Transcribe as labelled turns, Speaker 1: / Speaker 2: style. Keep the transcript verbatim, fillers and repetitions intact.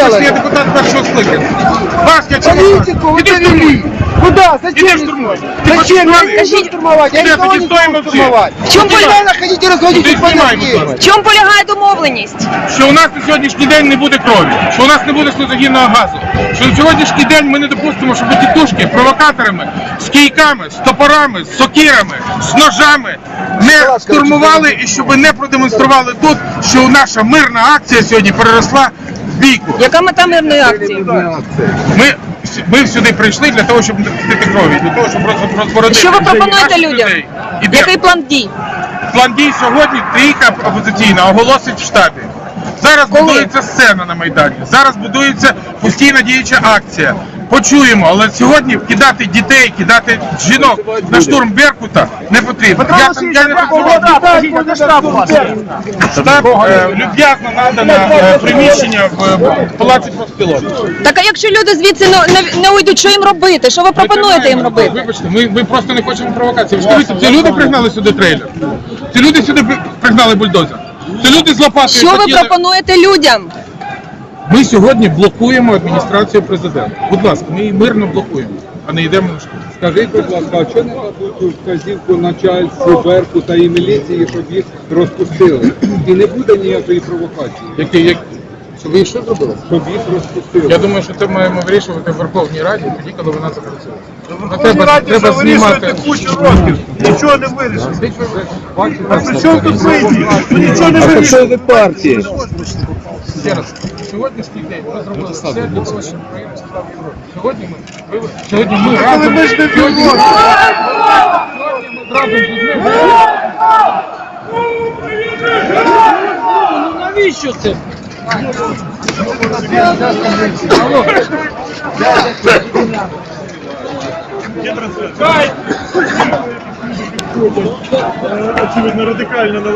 Speaker 1: делали?
Speaker 2: Я депутат першого скликання. Вас я чого?
Speaker 1: Политику вы
Speaker 2: Іди
Speaker 1: довели.
Speaker 2: штурмуй.
Speaker 1: Куда?
Speaker 2: Иди
Speaker 1: Зачем?
Speaker 2: штурмуй.
Speaker 1: Зачем? Я не
Speaker 3: Скажите,
Speaker 1: хочу штурмовать. Я
Speaker 2: Ребята,
Speaker 1: никого
Speaker 2: не
Speaker 1: не
Speaker 2: стоим
Speaker 1: буду
Speaker 2: вообще.
Speaker 1: штурмовать.
Speaker 3: В чем
Speaker 1: Вы
Speaker 3: поле-
Speaker 1: реально хотите разводить
Speaker 2: Ты
Speaker 1: их по
Speaker 2: снимай,
Speaker 1: России.
Speaker 2: будь
Speaker 3: В чому полягає домовленість?
Speaker 2: Що у нас на сьогоднішній день не буде крові, що у нас не буде сльозогінного газу, що на сьогоднішній день ми не допустимо, щоб тітушки провокаторами, з кійками, з топорами, з сокирами, з ножами не штурмували і щоб не продемонстрували тут, що наша мирна акція сьогодні переросла в бійку.
Speaker 3: Яка мета мирної акції?
Speaker 2: Ми, ми сюди прийшли для того, щоб не пустити крові, для того, щоб роз- розбородити
Speaker 3: Що ви пропонуєте
Speaker 2: наших
Speaker 3: людям?
Speaker 2: людей. Іде.
Speaker 3: Який план дій?
Speaker 2: План дій сьогодні трійка опозиційна оголосить в штабі. Зараз
Speaker 3: Коли?
Speaker 2: будується сцена на Майдані, зараз будується постійна діюча акція. Почуємо, але сьогодні кидати дітей, кидати жінок на штурм Беркута не потрібно. Я, там- я не працював. Штаб е, люб'язно надано е, приміщення в е, Палаці профспілок.
Speaker 3: Так а якщо люди звідси не, не, не уйдуть, що їм робити? Що ви пропонуєте їм робити?
Speaker 2: Вибачте, ми, ми просто не хочемо провокації. Ви скажіть, ці люди пригнали сюди трейлер. Ці люди сюди при- пригнали бульдозер. Ці люди з лопатою
Speaker 3: Що ви
Speaker 2: хотіли-
Speaker 3: пропонуєте людям?
Speaker 2: Ми сьогодні блокуємо адміністрацію президента. Будь ласка, ми її мирно блокуємо, а не йдемо на штурм.
Speaker 4: Скажіть, будь ласка, а чого не дадуть вказівку начальству Беркута і міліції, щоб їх розпустили? І не буде ніякої провокації,
Speaker 2: Які, як... Що ви що зробили?
Speaker 4: щоб їх розпустили.
Speaker 2: Я думаю, що це маємо вирішувати в Верховній Раді, тоді, коли вона запрацює. Ну, треба, треба знімати.
Speaker 5: кучу років, нічого не вирішить. А при чому тут вийти? Нічого не вирішить.
Speaker 4: ви партії?
Speaker 2: Ще раз, сьогоднішній день ми зробили все для того, щоб Україна стала в Європі. Сьогодні ми, ви- сьогодні ми разом...
Speaker 5: ми ж не
Speaker 2: Сьогодні ми
Speaker 5: віримо.
Speaker 2: сьогодні ми разом з людьми...
Speaker 5: Навіщо це? Очевидно, радикально.